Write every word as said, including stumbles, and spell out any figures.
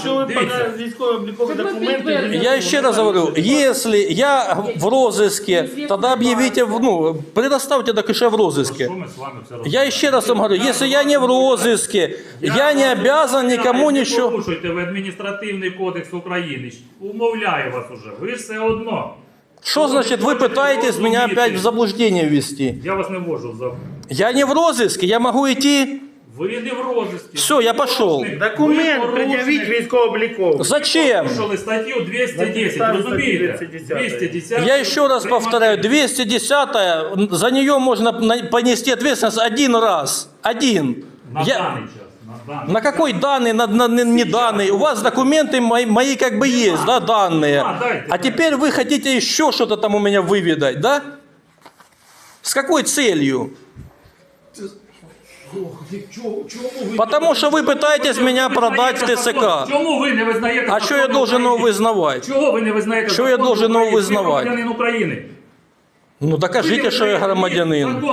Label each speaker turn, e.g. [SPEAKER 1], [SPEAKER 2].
[SPEAKER 1] якщо ви
[SPEAKER 2] Дивіться.
[SPEAKER 1] покажете військово-облікові документи... ви-
[SPEAKER 3] Я еще раз говорю, если я в розыске, тогда объявите, в- ну, предоставьте так еще в розыске.
[SPEAKER 2] Що ми з вами все робимо?
[SPEAKER 3] Я еще раз вам говорю, если я не в розыске, я не обязан никому
[SPEAKER 2] Не
[SPEAKER 3] ничего...
[SPEAKER 2] порушуйте ви адміністративний кодекс України. Умовляю вас уже. Ви ж все одно.
[SPEAKER 3] Что значит вы пытаетесь меня опять в заблуждение ввести?
[SPEAKER 2] Я вас не ввожу в заблуждение.
[SPEAKER 3] Я не в розыске, я могу идти...
[SPEAKER 2] Ви не в розиску.
[SPEAKER 3] Все, я пошел.
[SPEAKER 1] Документ пред'явіть військово-обліковий.
[SPEAKER 3] Зачем?
[SPEAKER 2] Порушили статтю двісті десять,
[SPEAKER 1] Написали
[SPEAKER 2] розумієте?
[SPEAKER 1] статтю двісті десять.
[SPEAKER 2] двісті десять.
[SPEAKER 3] Я еще раз повторяю, двести десятая, за нее можно на- понести ответственность один раз. Один.
[SPEAKER 2] На
[SPEAKER 3] Я-
[SPEAKER 2] даний час. На даний
[SPEAKER 3] На какой данный, на, на- на- не данный? У вас документы мои, мои как бы есть, да, данные.
[SPEAKER 2] А, дайте,
[SPEAKER 3] А теперь вы хотите еще что-то там у меня выведать, да? С какой целью?
[SPEAKER 2] Чому- чому ви-
[SPEAKER 3] Потому что вы пытаетесь
[SPEAKER 2] Чому ви
[SPEAKER 3] меня
[SPEAKER 2] не
[SPEAKER 3] продать в
[SPEAKER 2] визнаєте
[SPEAKER 3] ТСК.
[SPEAKER 2] закон? Чому ви не визнаєте
[SPEAKER 3] А что я
[SPEAKER 2] закон
[SPEAKER 3] должен его
[SPEAKER 2] України?
[SPEAKER 3] вызнавать?
[SPEAKER 2] Чого ви не визнаєте
[SPEAKER 3] Що я
[SPEAKER 2] закон
[SPEAKER 3] должен його
[SPEAKER 2] України? Ви
[SPEAKER 3] визнавати?
[SPEAKER 2] громадянин України.
[SPEAKER 3] Ну докажите, что я громадянин.
[SPEAKER 2] Закон